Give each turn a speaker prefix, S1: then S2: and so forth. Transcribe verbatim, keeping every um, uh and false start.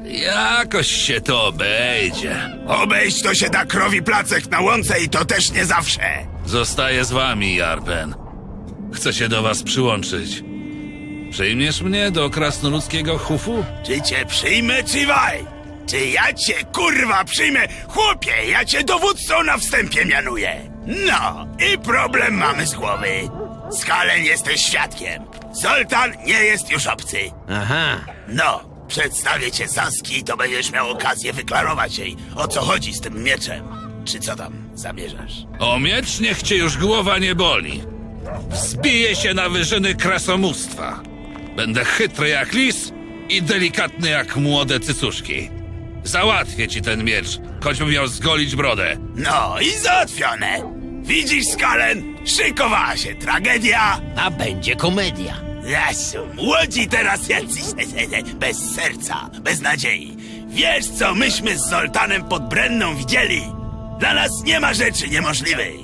S1: Jakoś się to obejdzie.
S2: Obejść to się da krowi placek na łące i to też nie zawsze.
S1: Zostaję z wami, Jarpen. Chcę się do was przyłączyć. Przyjmiesz mnie do krasnoludzkiego hufu?
S2: Czy cię przyjmę, czy waj? Czy ja cię kurwa przyjmę? Chłopie, ja cię dowódcą na wstępie mianuję. No, i problem mamy z głowy. Skalen jesteś świadkiem. Zoltan nie jest już obcy.
S3: Aha.
S2: No, przedstawię cię Saski i to będziesz miał okazję wyklarować jej, o co chodzi z tym mieczem. Czy co tam zamierzasz?
S1: O miecz niech cię już głowa nie boli. Wzbiję się na wyżyny krasomóstwa. Będę chytry jak lis i delikatny jak młode cycuszki. Załatwię ci ten miecz, choćbym miał zgolić brodę.
S2: No i załatwione. Widzisz, Skalen? Szykowała się tragedia.
S3: A będzie komedia.
S2: Jasiu, młodzi teraz jacyś bez serca, bez nadziei. Wiesz, co myśmy z Zoltanem pod Brenną widzieli? Dla nas nie ma rzeczy niemożliwej.